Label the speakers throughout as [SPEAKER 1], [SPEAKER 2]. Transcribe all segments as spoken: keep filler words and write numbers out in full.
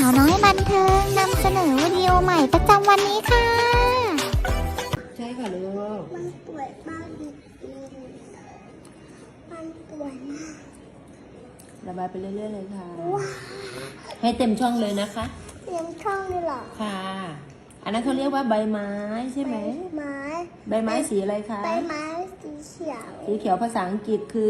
[SPEAKER 1] าวน้อยบันเทิงนำเสนอวิดีโอใหม่ประจำวันนี้ค่ะ
[SPEAKER 2] ใช่ค่ะลูก
[SPEAKER 3] มันป่วยมากจริงๆมันป่วยมาก
[SPEAKER 2] ระบายไปเรื่อยๆเลยค่ะให้เต็มช่องเลยนะคะ
[SPEAKER 3] เต็มช่องเลยเหรอ
[SPEAKER 2] ค่ะอันนั้นเขาเรียกว่าใบไม้ใช่ไหม
[SPEAKER 3] ไม้
[SPEAKER 2] ใบไม้สีอะไรคะ
[SPEAKER 3] ใบไม้สีเขียว
[SPEAKER 2] สีเขียวภาษาอังกฤษคื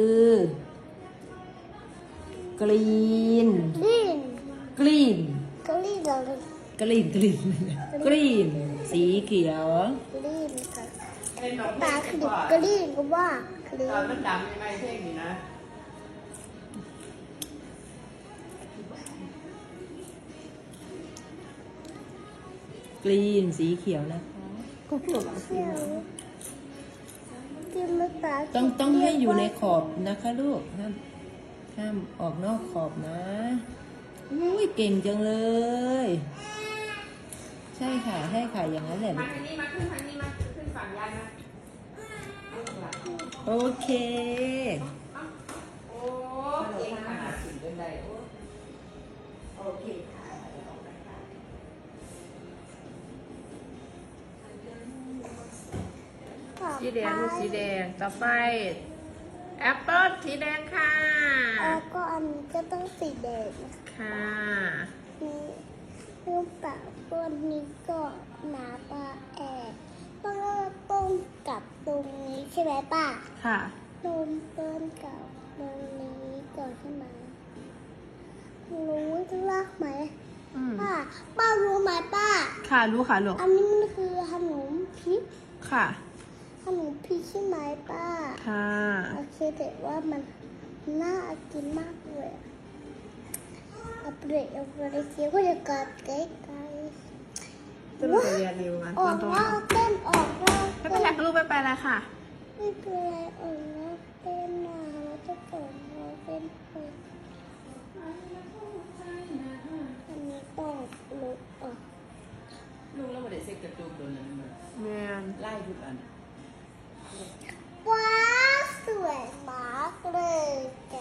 [SPEAKER 2] อกรีน
[SPEAKER 3] กรีน
[SPEAKER 2] กรีน
[SPEAKER 3] กรีนอะไร
[SPEAKER 2] กรีนกรีนกรีนสีเขียว
[SPEAKER 3] กรีนค่ะตาคือกรีนก็ว่ากรีน
[SPEAKER 4] มันดังยังไงเพลงนี้นะ
[SPEAKER 2] กรีนสีเขียวนะคะ
[SPEAKER 3] เขียวกินมาตา
[SPEAKER 2] ต้องต้องให้อยู่ในขอบนะคะลูกห้ามห้ามออกนอกขอบนะอุ้ยเก่งจังเลยใช่ค่ะใช่ค่ะอย่างนั้นแหละ
[SPEAKER 4] มาทางนี้มาขึ้นทางนี้มาขึ้นฝั่งยายมา
[SPEAKER 2] โอเค
[SPEAKER 4] โอ้เก่งขนาดถึงเป็นไดโอเคค่ะสีแดงลูกสีแดงต่อไปแอปเปิ้ลสีแดงค่ะ
[SPEAKER 3] แล้วก็อันนี้ก็ต้องสีแดง
[SPEAKER 4] ค่ะ
[SPEAKER 3] นี่ลูกปากตัวนี้ก็หนาปลาแอบต้องเริ่มต้นกับตรงนี้ใช่ไหมป้า
[SPEAKER 4] ค่ะ
[SPEAKER 3] เริ่มต้นกับตรงนี้ก่อนใช่ไหมรู้รักไหมป้าป้ารู้ไหมป้า
[SPEAKER 4] ค่ะรู้ค่ะลูก
[SPEAKER 3] อันนี้มันคือขนมพริก
[SPEAKER 4] ค่ะ
[SPEAKER 3] ขนมพริกใช่ไหมป้า
[SPEAKER 4] ค่ะ
[SPEAKER 3] โอเคแต่ว่ามันน่ากินมากเลยเอาเปรี้ยวเอาเปรี้ยวเคี้ยวก็จะกัดไกลไกล
[SPEAKER 4] ต้นไปเรียนเร็วมา
[SPEAKER 3] ออกนอกเต้นออกนอก
[SPEAKER 4] ไม่เป็นไรลูกไม่ไปแล้วค่ะ
[SPEAKER 3] ไม่เป็นไรออกนอกเต้นนะเราจะเปิดเราเต้นเปิดอันนี้ต้องลบออก
[SPEAKER 4] ลูกแล้วมาได้เซ็กกระจุกโดนนั้นมาแม่ไล่ทุกอัน
[SPEAKER 3] ว้าวสวยมากเลยแก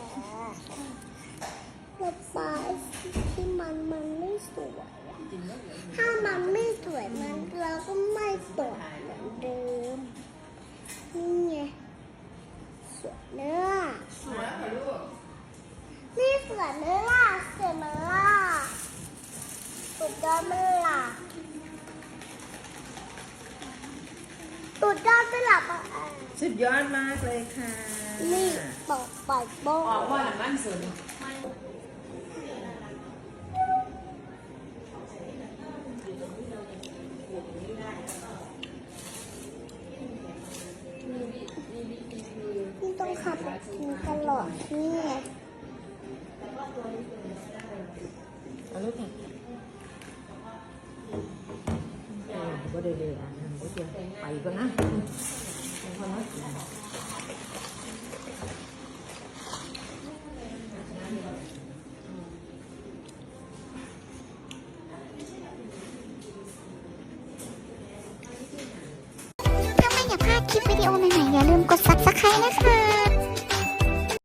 [SPEAKER 3] ระบายที่มันมันไม่สวยถ้ามันไม่สวยมันเราก็ไม่สวยเหมือนเดิมนี่ไงสวยเนื้อ
[SPEAKER 4] สวยค่ะลูก
[SPEAKER 3] นี่สวยเนื้อล่ะสวยมั้ยล่ะสุดยอดมั้ยล่ะสุดยอดมั้ยล่ะ
[SPEAKER 4] สุดยอดมากเลยค่ะ
[SPEAKER 3] นี่ตกปล่อยโบ้
[SPEAKER 4] ออกว่าหลังบ้านสน
[SPEAKER 3] นี่ต้องขับกินตลอดนี่ไง
[SPEAKER 2] เอาลูกค่ะก็เดี๋ยวๆอ่ะก็เตรียมไปก่อนนะพอแล้ว
[SPEAKER 1] ถ้าไม่อยากพลาดคลิปวิดีโอใหม่ๆอย่าลืมกด ซับสไครบ์ นะคะ